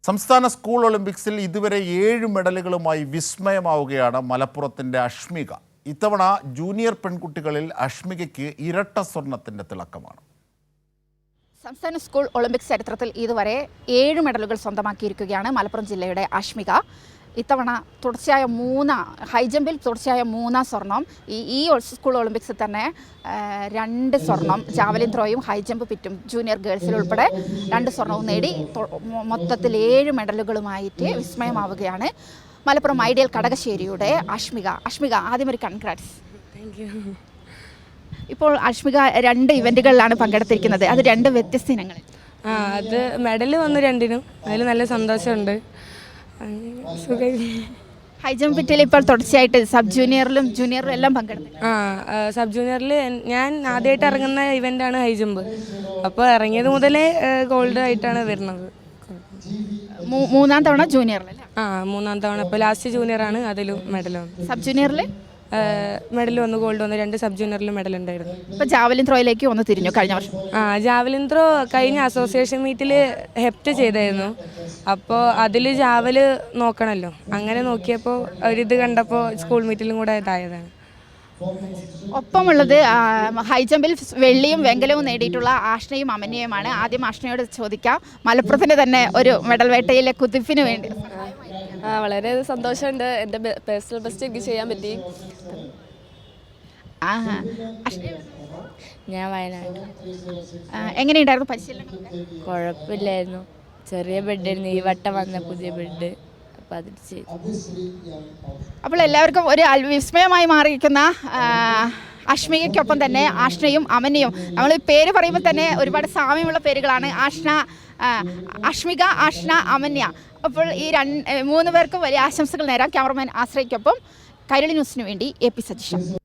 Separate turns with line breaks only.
സംസ്ഥാന സ്കൂൾ ഒളിമ്പിക്സിൽ ഇതുവരെ 7 മെഡലുകളുമായി വിസ്മയമാവുകയാണ് മലപ്പുറത്തിൻ്റെ അഷ്മിക. ഇത്തവണ ജൂനിയർ പെൺകുട്ടികളിൽ അഷ്മികയ്ക്ക് ഇരട്ട സ്വർണത്തിൻ്റെ തിളക്കമാണ്.
സംസ്ഥാന സ്കൂൾ ഒളിമ്പിക്സ് ചരിത്രത്തിൽ ഇതുവരെ 7 മെഡലുകൾ സ്വന്തമാക്കിയിരിക്കുകയാണ് മലപ്പുറം ജില്ലയുടെ അഷ്മിക. ഇത്തവണ തുടർച്ചയായ ഹൈജമ്പിൽ തുടർച്ചയായ 3 സ്വർണം. ഈ സ്കൂൾ ഒളിമ്പിക്സിൽ തന്നെ 2 സ്വർണം, ജാവലിൻ ത്രോയും ഹൈജമ്പ് പിറ്റും ജൂനിയർ ഗേൾസിൽ ഉൾപ്പെടെ 2 സ്വർണവും നേടി മൊത്തത്തിൽ 7 മെഡലുകളുമായിട്ട് വിസ്മയമാവുകയാണ് മലപ്പുറം ഐഡിയൽ കടകശ്ശേരിയുടെ അഷ്മിക. ആദ്യം ഒരു കൺഗ്രാറ്റ്സ്. ഇപ്പോൾ അഷ്മിക 2 ഇവൻറ്റുകളിലാണ് പങ്കെടുത്തിരിക്കുന്നത്. അത് 2 വ്യത്യസ്ത ഇനങ്ങൾ.
അത് മെഡൽ വന്നു 2നും. അതിൽ നല്ല സന്തോഷമുണ്ട്.
ഹൈജമ്പ് പിറ്റിൽ ഇപ്പോൾ തുടർച്ചയായിട്ട് സബ് ജൂനിയറിലും ജൂനിയറിലും എല്ലാം പങ്കെടുത്തു.
സബ് ജൂനിയറിൽ ഞാൻ ആദ്യമായിട്ട് ഇറങ്ങുന്ന ഇവൻ്റാണ് ഹൈജമ്പ്. അപ്പോൾ ഇറങ്ങിയത് മുതലേ ഗോൾഡ് ആയിട്ടാണ് വരുന്നത്.
3-ാം തവണ ജൂനിയറിലല്ലേ?
3-ാം തവണ. ഇപ്പോൾ ലാസ്റ്റ് ജൂനിയറാണ്, അതിലും മെഡൽ വന്നു.
സബ് ജൂനിയറിൽ
മെഡൽ വന്നു, ഗോൾഡ് വന്നു. 2 സബ് ജൂനിയറിലും മെഡൽ ഉണ്ടായിരുന്നു.
ഇപ്പോൾ ജാവലിൻ ത്രോയിലേക്ക് ഒന്ന് തിരിഞ്ഞു കഴിഞ്ഞ വർഷം.
ജാവലിൻ ത്രോ കഴിഞ്ഞ അസോസിയേഷൻ മീറ്റിൽ ഹെപ്റ്റ് ചെയ്തായിരുന്നു. അപ്പോൾ അതിൽ ജാവല് നോക്കണമല്ലോ, അങ്ങനെ നോക്കിയപ്പോൾ ഒരിത് കണ്ടപ്പോൾ സ്കൂൾ മീറ്റിലും കൂടെ ഇതായതാണ്.
ഒപ്പമുള്ളത് ഹൈജമ്പിൽ വെള്ളിയും വെങ്കലവും നേടിയിട്ടുള്ള ആഷ്നയും അമന്യയുമാണ്. ആദ്യം ആഷ്നയോട് ചോദിക്കാം, മലപ്പുറത്തിന് തന്നെ ഒരു മെഡൽ വേട്ടയിലെ കുതിപ്പിന് വേണ്ടി.
വളരെ സന്തോഷമുണ്ട്. എൻ്റെ പേഴ്സണൽ ബെസ്റ്റ് എനിക്ക് ചെയ്യാൻ പറ്റി.
ഞാൻ വയനാട്.
എങ്ങനെയുണ്ടായിരുന്നു പരിശീലനം?
കുഴപ്പമില്ലായിരുന്നു. ചെറിയ ബെഡായിരുന്നു, ഈ വട്ടം വന്ന പുതിയ ബെഡ്. അപ്പോൾ അതിൽ ചെയ്തു.
അപ്പോൾ എല്ലാവർക്കും ഒരു വിസ്മയമായി മാറിയിരിക്കുന്ന അഷ്മികയ്ക്കൊപ്പം തന്നെ ആഷ്നയും അമന്യയും. നമ്മൾ പേര് പറയുമ്പോൾ തന്നെ ഒരുപാട് സാമ്യമുള്ള പേരുകളാണ്. അഷ്മിക, ആഷ്ന, അമന്യ. അപ്പോൾ ഈ 3 പേർക്കും വലിയ ആശംസകൾ നേരാം. ക്യാമറമാൻ ആശ്രയ്ക്കൊപ്പം കൈരളി ന്യൂസിനു വേണ്ടി AP സതീഷ്.